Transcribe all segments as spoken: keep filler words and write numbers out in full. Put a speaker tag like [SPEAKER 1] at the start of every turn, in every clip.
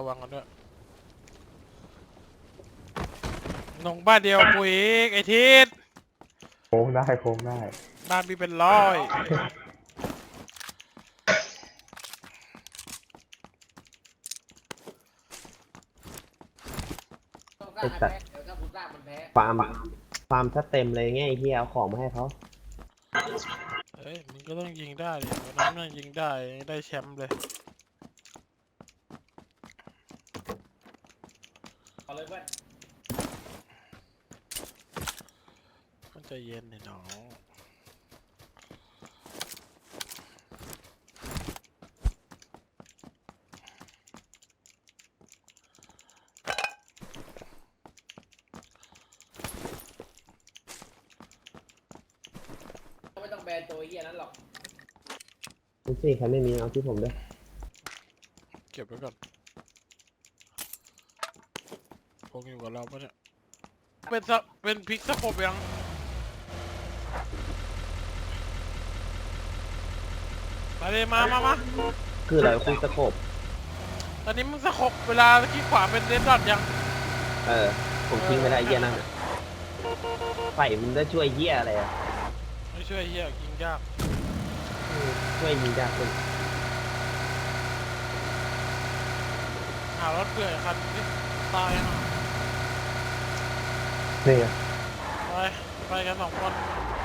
[SPEAKER 1] ระวังกันด้วยลงบ้านเดียวปุ๋ยไอทิศ
[SPEAKER 2] โค้งได้โค้งได้
[SPEAKER 1] บ้านมีเป็นร้อย
[SPEAKER 3] ไอ้สัตว์ฟาร์มฟาร์มถ้าเต็มเลยไงไอ้เหี้ยเอาของมาให้เขา
[SPEAKER 1] เฮ้ยมึงก็ต้องยิงได้ดิวันนั้นน่ะยิงได้ได้แชมป์เลยเอาเลยเพื่อนมันใจเย็นหน่อยน้อง
[SPEAKER 4] ไม่ต้องแบนตัวเหี้ยนั้นหรอก
[SPEAKER 3] ดูสิใครไม่มีเอาที่ผมด้วย
[SPEAKER 1] เก็บไว้ก่อนพกอยู่กับเราปะเนี่ยเป็นสะเป็นพลิกสะโพกยังมาเลยมามามา
[SPEAKER 3] คืออะไรคุยสะโคบ
[SPEAKER 1] ตอนนี้มึงสะโพกเวลาคลิกขวาเป็นเดนดอทยัง
[SPEAKER 3] เออผมทิ้งไม่ได้เหี้ยนั่นอ่ะไฟมันได้ช่วยเหี้ยอะไรอ่ะ
[SPEAKER 1] ไม่ช่วยเฮียยิงยาก
[SPEAKER 3] ช่วยยิงยากขึ้น
[SPEAKER 1] หารถเปื่อยคันนี้ตายอ่ะ
[SPEAKER 2] นี่ไง
[SPEAKER 1] ไปไปกันสองคน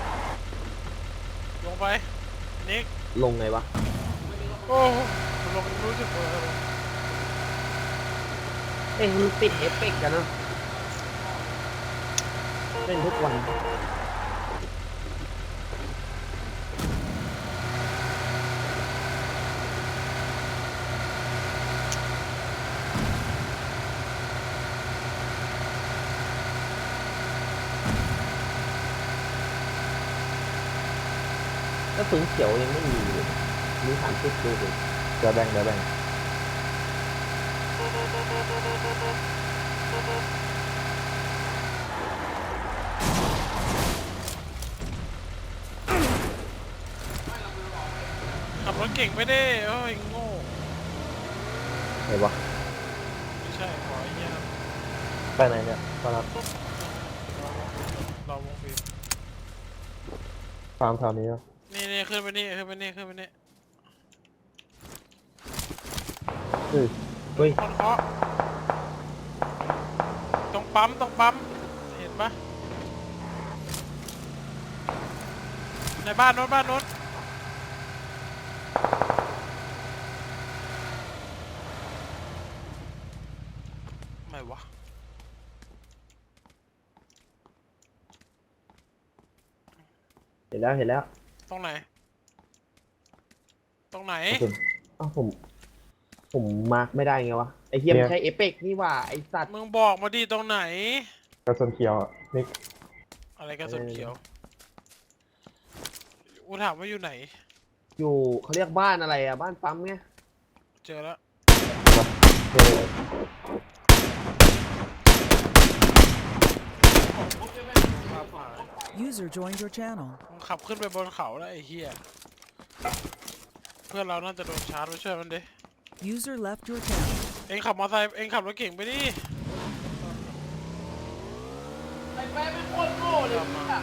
[SPEAKER 1] ลงไปนิก
[SPEAKER 3] ลงไงวะ
[SPEAKER 1] โอ้ลงรู้สึกเลย
[SPEAKER 3] เอ้ยมันติดเอฟเฟกต์กันเนาะเล่นทุกวันก็สูงเขียวยังไม่มีเลยมีสามสิบดูสิ
[SPEAKER 2] เดี๋ยวแบ่งเดี๋ยวแบ่ง
[SPEAKER 1] ขับรถเก่งไม่ได้เอ้ยโง่
[SPEAKER 2] ไหนวะ
[SPEAKER 1] ไม่ใช่ขอไอ้เหี้ยนะ
[SPEAKER 2] ไปไหนเนี่ยตอนนั้น
[SPEAKER 1] เราวงบีบ
[SPEAKER 2] ฟาร์มแถวนี้อ่ะ
[SPEAKER 1] นี่นี่ขึ้นไปนี่ขึ้นไปนี่ขึ้นไปนี่
[SPEAKER 2] เฮ้ย
[SPEAKER 3] เฮ้ย
[SPEAKER 1] คนเคาะตรงปั๊มตรงปั๊มเห็นปะในบ้านโน้นบ้านโน้นไม่วะ
[SPEAKER 3] เห็นแล้วเห็นแล้ว
[SPEAKER 1] ตรงไหนตรงไหน
[SPEAKER 3] อ้าวผมผมมาร์กไม่ได้ไงวะไอเฮียมันใช้เอฟเฟกต์นี่ว่าไอสัตว์
[SPEAKER 1] มึงบอกมาดิตรงไหน
[SPEAKER 2] กระสุนเขียวอ่ะนิก
[SPEAKER 1] อะไรกระสุนเขียวกูถามว่าอยู่ไหน
[SPEAKER 3] อยู่เขาเรียกบ้านอะไรอะบ้านปั๊มไง
[SPEAKER 1] เจอแล้ว
[SPEAKER 5] User joined your channel
[SPEAKER 1] มึงขับขึ้นไปบนเขาแล้วไอ้เหี้ยเพื่อนเราน่าจะโดนชาร์จไปช่วยมันดิ
[SPEAKER 5] User left your channel
[SPEAKER 1] เอ็งขับมอเตอร์ไซค์เอ็งขับรถเก่งไปดิ
[SPEAKER 4] ไอ้แป๊ะไม่โคตรโง่เลยอ่ะ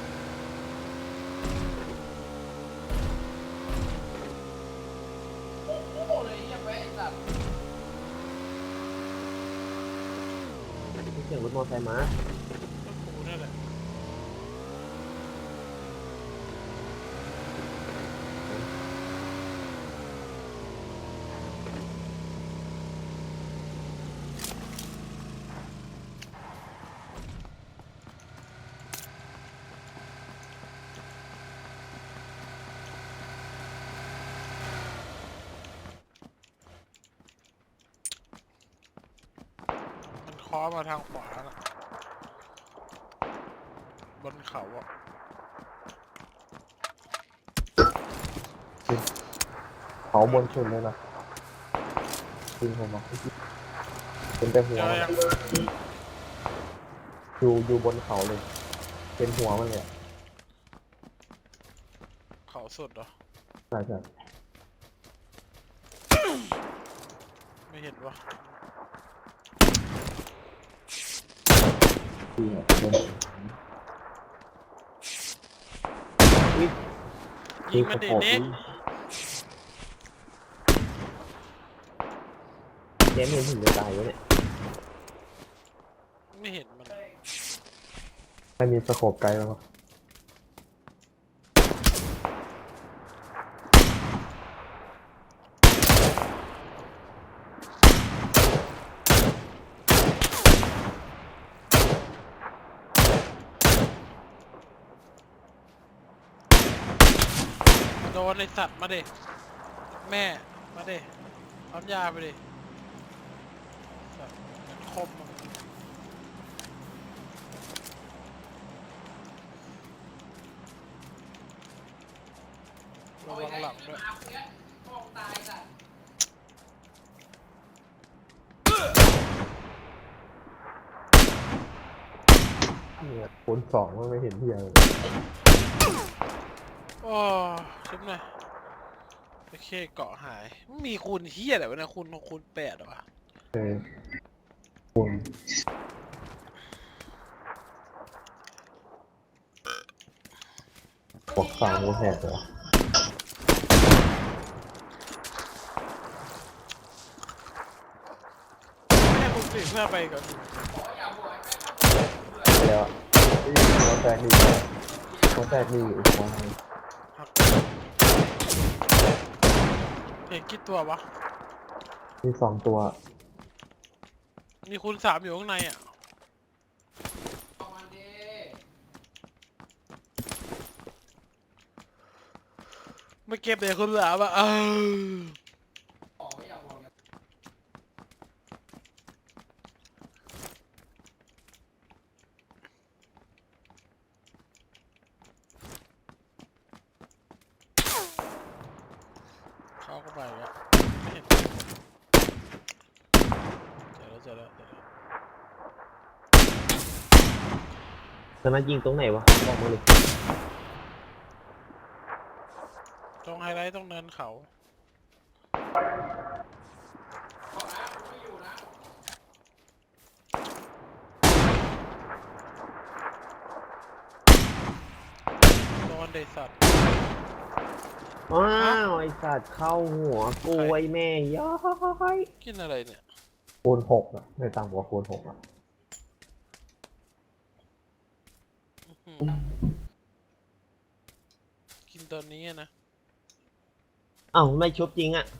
[SPEAKER 4] โง่เลยไอ้แป๊ะไอ้สัตว์
[SPEAKER 3] เสียงรถมอเตอร์ไซค์มา
[SPEAKER 1] กูนี่แหละเคาะมาทางขวานะบนเขาอ่ะ
[SPEAKER 2] เขาบนชุนเลยนะจริงผมบอกเป็นแต่หัวอยู่อยู่บนเขาเลยเป็นหัวมันเลย
[SPEAKER 1] เขาสุดเหรอ
[SPEAKER 2] ใช่ใช่
[SPEAKER 1] ไม่ไม่เห็นวะ
[SPEAKER 2] ที่แบบบน
[SPEAKER 1] ยิงมันเด็ดเด็ก
[SPEAKER 3] เจมส์เห็นถึงจะตายวะเนี่ย
[SPEAKER 1] ไม่เห็นมัน
[SPEAKER 2] ไม่มีสโคปไกลแล้วมั้ง
[SPEAKER 1] โดนไอสัตว์มาเด็แม่มาเด็ปั๊มยาไปดิสัตว์คมอะระวังหลังด้วย
[SPEAKER 4] มาเนี้ยพ่อมึงตายสัตว์
[SPEAKER 2] เนี่ยคูณสองมันไม่เห็นที่อะไร
[SPEAKER 1] โอ้ชิบหน่อยโอเคเกาะหายมีคูณเฮียอะไรวะเนะคูณคูณแปดเหรอวะ
[SPEAKER 2] เออคูณบวกสามกูแหกเหรอ
[SPEAKER 1] แค่คูณสี่เพื่อไปก่อน
[SPEAKER 2] ไปแล้วอะที่หัวแตกนี่หัวแตกนี่อีกหัวหนึ่ง
[SPEAKER 1] หักเห็นกี่ตัววะ
[SPEAKER 2] มีสองตัว
[SPEAKER 1] มีคูณสามอยู่ข้างในอ่ะ
[SPEAKER 4] เอามันดิ
[SPEAKER 1] ไม่เก็บเลยคูณสามอ่ะเออ
[SPEAKER 4] ออกไม่อยากบอกเนี่ย
[SPEAKER 1] เข้าเข้าไปแล้วไม่เห็นเจอแล้วเจอแล้วเจอแล้ว
[SPEAKER 3] ตอนนั้นยิงตรงไหนวะบอกมาเลย
[SPEAKER 1] ตรงไฮไลท์ตรงเนินเขา
[SPEAKER 4] บอกนะกูไม่อยู่นะ
[SPEAKER 1] โดนเดสัตว์
[SPEAKER 3] ว้าวไอสัตว์เข้าหัวกูไอแม่ย้อย
[SPEAKER 1] กินอะไรเนี่ย
[SPEAKER 2] คูณหกอ่ะไม่ต่ำกว่าคูณหกอ่ะ
[SPEAKER 1] อื้อหือกินตอนนี้อะนะ
[SPEAKER 3] เอ้าไม่ชุบจริงอ่ะ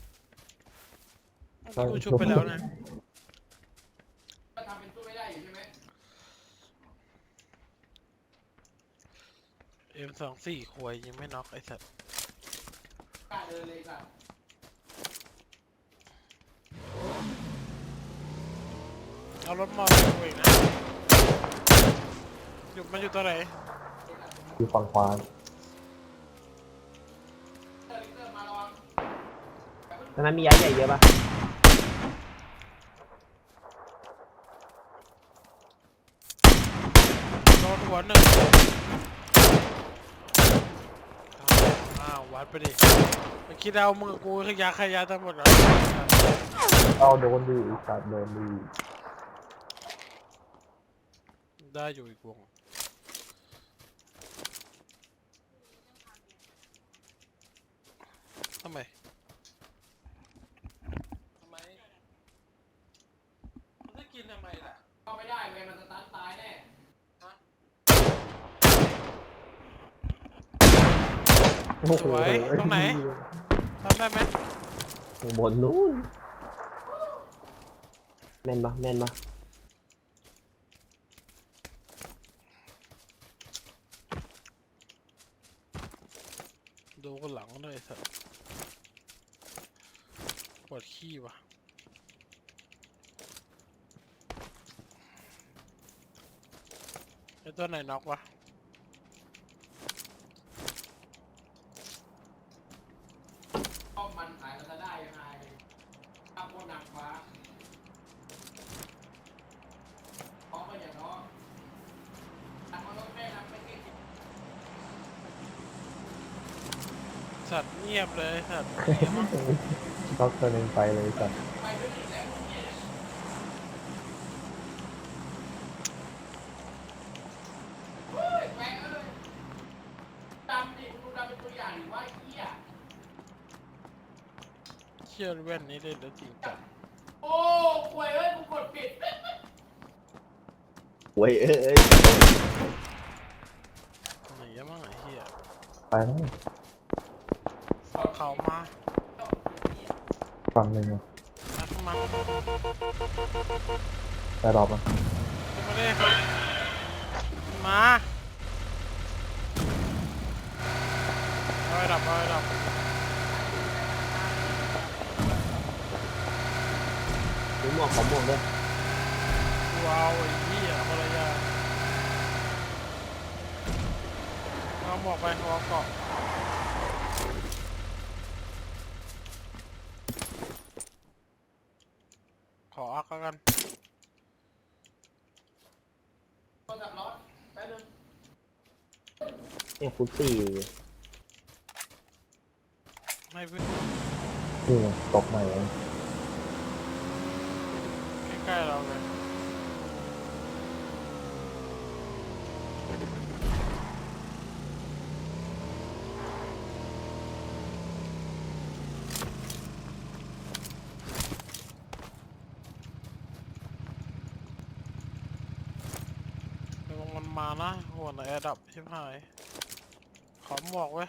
[SPEAKER 1] กูชุบไปแล้วนะ
[SPEAKER 4] ก็ทำเป็นสู้ไม่ได้อยู่ใช่ไหม
[SPEAKER 1] เอ็มสองสี่ควยยังไม่น็อกไอสัตว์
[SPEAKER 4] กล้าเดินเลยสัตว์
[SPEAKER 1] เอารถมอเตอร์ไซค์กูเองนะอยู่มันอยู่ตัวไหน
[SPEAKER 2] อยู่ฝั่งขวา
[SPEAKER 4] เตอร์ลิเตอร์มาระวัง
[SPEAKER 3] ตอนนั้นมีย้ายใหญ่เยอะปะ
[SPEAKER 1] โดนหัวหนึ่งอ้าววัดไปดิไปคิดเอามึงกับกูขยะขยะทั้งหมดเหรอ
[SPEAKER 2] เอาโดนดีอีกสัตว์โดนดี
[SPEAKER 1] ได้อยู่อีกวงทำไมทำไมมันจะกินทำไมล่ะ
[SPEAKER 4] เข้าไม่ได้เว้ยมันสตันตายแน่
[SPEAKER 2] โอ้โห
[SPEAKER 1] สวยตรงไหน ทำได้ไหม
[SPEAKER 3] ข้างบนนู้นแม่นปะแม่นปะ
[SPEAKER 1] ดูกันหลังด้วยสัตว์ปวดขี้ว่ะไอตัวไหนน็อกวะ
[SPEAKER 4] ป้อมมันขายมันจะได้ยังไงข้าวโพดนางฟ้าพร้อมไปอย่างน้องตักมารถแม่นำไปเก็บ
[SPEAKER 1] สัตว์เงียบเลยสัตว์
[SPEAKER 2] ด็อกตัวหนึ่งไปเลยสัตว์
[SPEAKER 4] ไปด้วยดิ
[SPEAKER 1] ชื่อแว่นนี้เล่นแล้วจริงจัง
[SPEAKER 4] โอ้ป่วยเอ้ยกูกดผิด
[SPEAKER 3] เว้ยเอ้ย
[SPEAKER 1] ไหนอะมั่งไอ้เหี้ย
[SPEAKER 2] ไปแล้ว
[SPEAKER 1] เขามา
[SPEAKER 2] ฝั่งหนึ่งอะ
[SPEAKER 1] นักมา
[SPEAKER 2] แต่รอบมัน
[SPEAKER 1] ขึ้นมาดิมาเอาไว้ดับเอาไว้ดับ
[SPEAKER 3] ซื้อหมวกของหมวกด้วย
[SPEAKER 1] ว้าวไอ้เหี้ยภรรยาเอาหมวกไปเอาเกาะขออักแล้วกัน
[SPEAKER 4] โทรศัพท์ร้อนแป๊บนึง
[SPEAKER 3] เนี่ยฟุตสี่
[SPEAKER 1] ให้เพื่อน
[SPEAKER 2] นี่ไงตกใหม่เอง
[SPEAKER 1] ใกล้ๆเราเลย เดี๋ยวมันมานะหัวไหนแอดับชิบหาย ขอหมวกไว้ย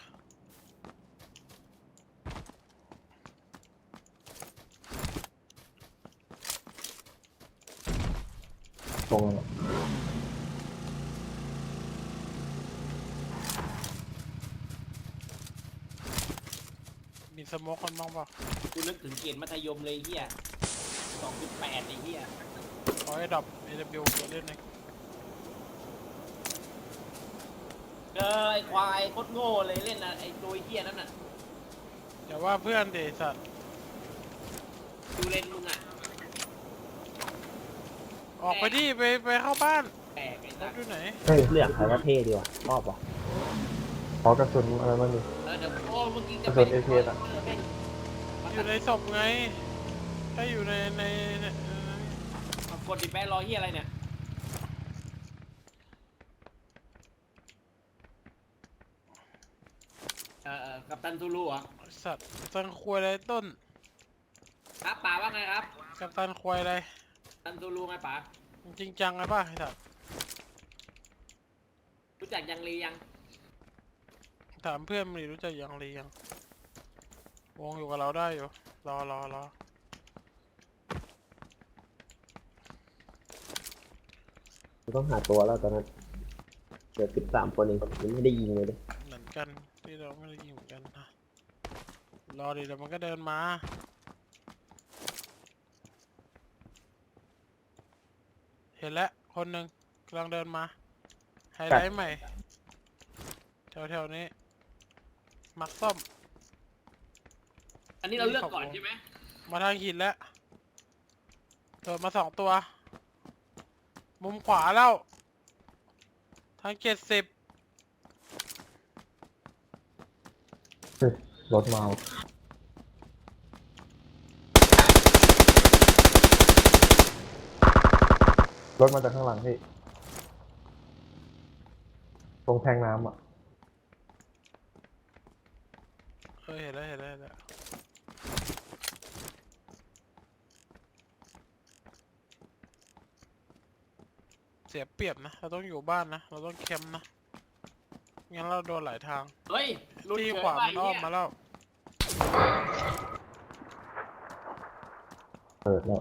[SPEAKER 2] ตรงนั้นอะ
[SPEAKER 1] มีสโมกคนบ้างเปล่า
[SPEAKER 4] กูนึกถึงเกณฑ์มัธยมเลยเฮียสองจุดแปดไอ้เฮีย
[SPEAKER 1] ขอให้ดับ เอ ดับเบิลยู ตัวเล่นเอง
[SPEAKER 4] เจอไอ้ควายโคตรโง่เลยเล่นนะไอ้ตัวเฮียนั่นน่ะ
[SPEAKER 1] อย่าว่าเพื่อนเดสัตว์
[SPEAKER 4] ดูเล่นมึงอ่ะ
[SPEAKER 1] ออกไปดิไปไปเข้าบ้าน
[SPEAKER 4] แปลกไอ้
[SPEAKER 1] ร
[SPEAKER 4] สั
[SPEAKER 1] ถ
[SPEAKER 4] ส
[SPEAKER 1] อยู่ไหน
[SPEAKER 2] เฮ้ย
[SPEAKER 3] เลือกใครว่าเท่ดีวะชอบวะ
[SPEAKER 2] ขอกระสุนอะไรบ้างดิ
[SPEAKER 4] เออเดี๋ยวโอ้เมื่อกี้จะ
[SPEAKER 2] กระสุน เอ เค อะ
[SPEAKER 1] อยู่ในศพไง ถ้าอยู่ในในใน
[SPEAKER 4] กดดิแปะรอเฮียอะไรเนี่ยเออเออกัปตันทูลูเหรอ่ะ
[SPEAKER 1] สัตว์ตันควายอะไรต้น
[SPEAKER 4] ครับป่าว่าไงครับ
[SPEAKER 1] กับตันควายอะไร
[SPEAKER 4] กัปตันทูลูไงป่า
[SPEAKER 1] จริงจังไงป่ะไอ้สัตว์
[SPEAKER 4] รู้จักยังลียัง
[SPEAKER 1] ถามเพื่อนมันดิรู้จักยังรียัง วงอยู่กับเราได้อยู่ รอรอรอ
[SPEAKER 3] ต้องหาตัวแล้วตอนนั้นเหลือสิบสามคนเองยังไม่ได้ยิงเลยดิ
[SPEAKER 1] เหมือนกันที่เราไม่ได้ยิงเหมือนกันนะรอดิเดี๋ยวมันก็เดินมา เห็นแล้วคนหนึ่งกำลังเดินมา ไฮไลท์ใหม่ แถวๆนี้ มักส้ม
[SPEAKER 4] อันนี้เราเลือกก่อนใช่ไหม
[SPEAKER 1] มาทางหินแล้วโดดมาสองตัว มุมขวาแล้ว ทางเจ็ดสิบ
[SPEAKER 2] เฮ้ยรถมาว่ะรถมาจากข้างหลังพี่ ตรงแทงน้ำอ่ะ
[SPEAKER 1] เออเห็นแล้วเห็นแล้วเห็นแล้วเสียเปรียบนะ เราต้องอยู่บ้านนะ เราต้องแคมป์นะ งั้นเราโดนหลายทาง
[SPEAKER 4] เฮ้ยหลุด
[SPEAKER 1] ที่
[SPEAKER 4] เฉย
[SPEAKER 1] ขวา
[SPEAKER 4] ไป
[SPEAKER 1] มันอ้อม
[SPEAKER 4] เนี่ย
[SPEAKER 1] มาแล้ว
[SPEAKER 2] เปิดแล้ว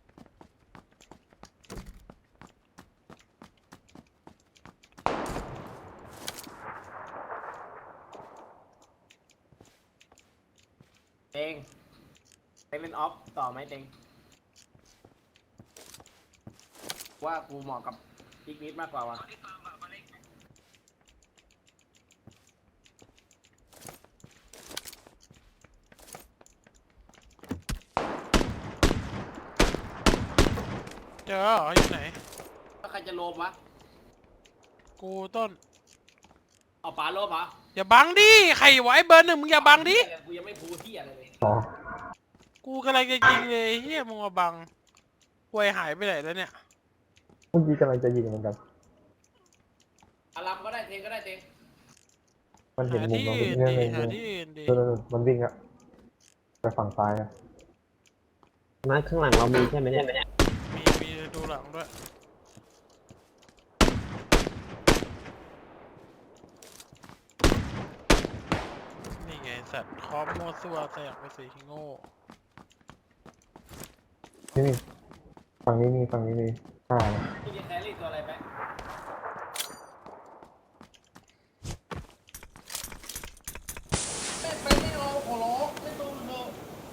[SPEAKER 4] เต็งเต็งเล่นออฟต่อไหมเต็งว่ากูเหมาะกับพิกนิดมากกว่าวะ
[SPEAKER 1] เจอเหรออยู่ไหน
[SPEAKER 4] แล้วใครจะโลมวะ
[SPEAKER 1] กูต้น
[SPEAKER 4] เอาป๋าโลมเหรอ
[SPEAKER 1] อย่าบังดิ ใครไวะไอ้เบอร์หนึ่งมึงอย่าบังดิ
[SPEAKER 4] กูยังไม่พูดที่อะไรเลย
[SPEAKER 2] อ๋อ
[SPEAKER 1] กูกำลังจะยิงเลยเฮียมึงมาบังควยหายไปไหนแล้วเนี่ย
[SPEAKER 2] เมื่อกี้กำลังจะยิงเหมือนกัน
[SPEAKER 4] อารามก็ได้เต็งก็ได้เต็ง
[SPEAKER 2] มันเห็น
[SPEAKER 1] หา
[SPEAKER 2] มุม
[SPEAKER 1] ที่
[SPEAKER 2] เรา
[SPEAKER 1] อื่น
[SPEAKER 2] เนี่ย
[SPEAKER 1] ดี
[SPEAKER 2] เลย
[SPEAKER 1] หาที่อื่นดี
[SPEAKER 2] เออมันวิ่งอะไปฝั่งซ้ายอะ
[SPEAKER 3] นัดข้างหลังเรามีใช่ไหมเนี่ย
[SPEAKER 1] มีมีดูหลังด้วยนี่ไงสัตว์คอมโมวซัวแสกไปสีโง่
[SPEAKER 2] นี่นี่ฝั่งนี้มีฝั่งนี้มีอ่า
[SPEAKER 4] พี่จะแครี่ตัวอะไรไปเล่นไปไม่เอาขอร้องเล่นตัวเถอะ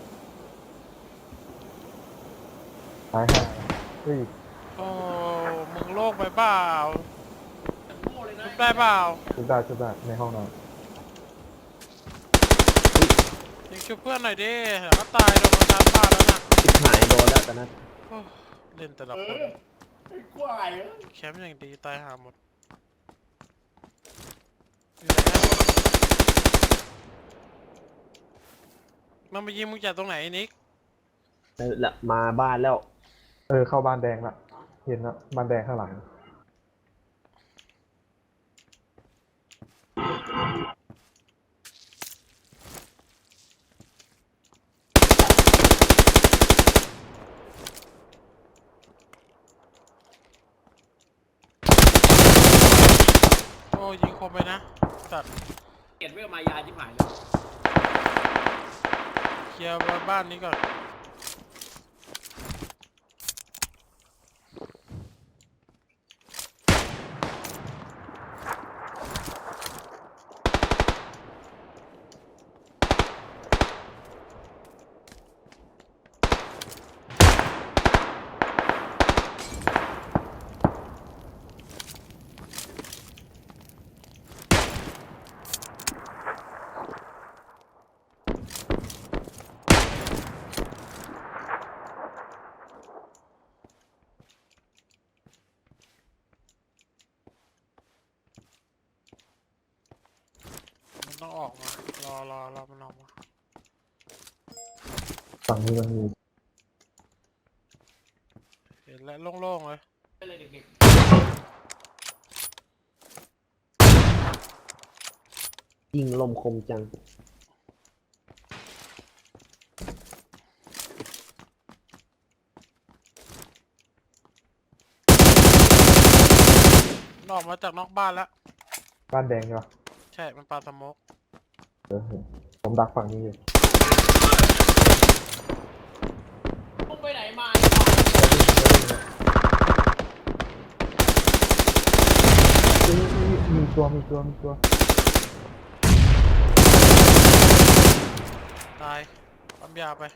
[SPEAKER 2] ซ้ายห้าเฮ้ย
[SPEAKER 1] โอ้มึงโลกไปเปล่า
[SPEAKER 4] แต่โง่เลยนะ
[SPEAKER 1] ชุบได้เปล่า
[SPEAKER 2] ชุดได้ชุดได้ในห้องนอน
[SPEAKER 1] ยิงชุบเพื่อนหน่อยดิเดี๋ยวก็ตายโดนมันชาร์จบ้านแล้วน่ะ
[SPEAKER 3] ชิบหายโดนแล้วตอนนั้น
[SPEAKER 1] โอ้เล่นแต่ละ
[SPEAKER 4] เอ
[SPEAKER 1] คน
[SPEAKER 4] อไอ้กวายเออ
[SPEAKER 1] แคมป์อย่างดีตายหาหมดอยู่ไหนอะมันมายิงมึงจากตรงไหนไอ้นิก
[SPEAKER 3] เออละมาบ้านแล้ว
[SPEAKER 2] เออเข้าบ้านแดงละเห็นละบ้านแดงข้างหลัง
[SPEAKER 1] โอ้ยิงคมไปนะสัตว์
[SPEAKER 4] เก็บเวลมายาชิบหายเลย
[SPEAKER 1] เคลียร์บ้านนี้ก่อนมันต้องออกมารอรอรอมันออกมา
[SPEAKER 2] ฝั่งนี้มันมี
[SPEAKER 1] เห็นแล้วโล่งๆเลย
[SPEAKER 4] ไปเลยเด็ก
[SPEAKER 3] ยิงลมคมจัง
[SPEAKER 1] มันออกมาจากนอกบ้านแล้ว
[SPEAKER 2] บ้านแดงใช่ปะ
[SPEAKER 1] ใช่มันปาสโมก
[SPEAKER 2] เออเห็นผมดักฝั่งนี้อยู่
[SPEAKER 4] ๆมึงไปไหนมา
[SPEAKER 2] เฮ้ยมีตัวมีตัวมีตัว
[SPEAKER 1] ตายปั๊มยาไป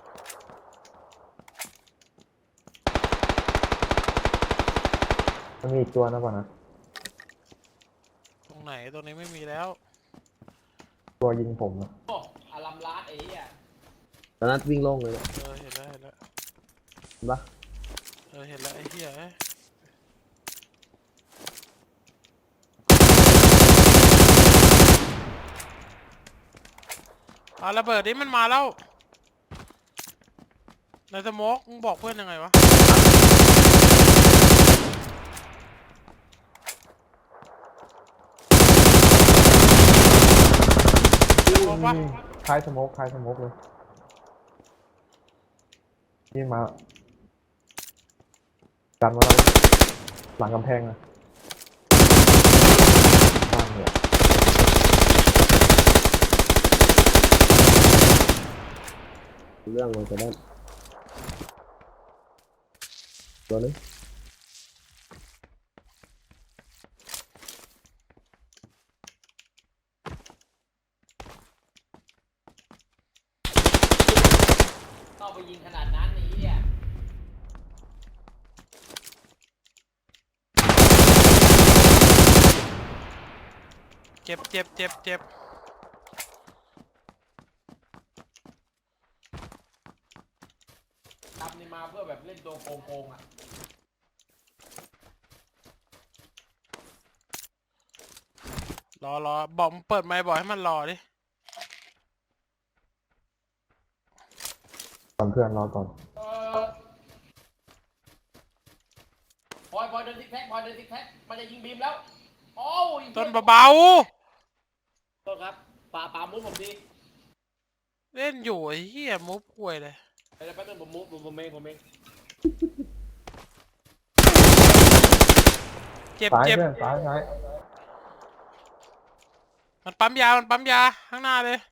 [SPEAKER 2] มันมีอีกตัวนะป่ะนะ
[SPEAKER 1] ตรงไหนตรงนี้ไม่มีแล้ว
[SPEAKER 2] ตัวยิงผมนะ
[SPEAKER 4] โอ้อารัมลาดไอ้เหี้ย
[SPEAKER 3] ตอนนั้นวิ่งโล่งเลย
[SPEAKER 1] เออเห็นแล้วเห็นแล้ว
[SPEAKER 3] เห็นปะ
[SPEAKER 1] เออเห็นแล้วไอ้เหี้ยเอ้ยอ่ะระเบิดนี้มันมาแล้วในสโมกมึงบอกเพื่อนยังไงวะบอกว่า
[SPEAKER 2] นี่คล้ายสโมกคล้ายสโมกเลยนี่มาดันมาแล้วหลังกำแพงอะบ้านเนี่ย
[SPEAKER 3] เรื่องมันจะได้ตัวนึง
[SPEAKER 4] ต้องไปยิงขนาดนั้นไอ้เหี้ย
[SPEAKER 1] เจ็บเจ็บเจ็บเจ็บ
[SPEAKER 4] ทำนี่มาเพื่อแบบเล่นตัวโกงๆอ่ะ
[SPEAKER 1] รอรอบอกมึงเปิดไมค์บอกให้มันรอดิ
[SPEAKER 2] ก่อนเพื่อนรอก่อน
[SPEAKER 4] เออพอยพอยเดินซิกแพคพอยเดินซิกแพคมันจะยิงบีมแล้วโอ้ย
[SPEAKER 1] ต้นเบา
[SPEAKER 4] โทษครับป่าป่ามุ้งผมดี
[SPEAKER 1] ๆเล่นอยู่ไอ้เหี้ยมุฟป่วยเลย
[SPEAKER 4] เดี๋ยวแป๊บนึงผมมุกผมผมเองผมเอง
[SPEAKER 1] เจ็บ
[SPEAKER 2] ซ้าย
[SPEAKER 1] เจ็บ
[SPEAKER 2] เพื่อนซ้ายซ้าย
[SPEAKER 1] มันปั๊มยา มันปั๊มยา ข้างหน้าเลย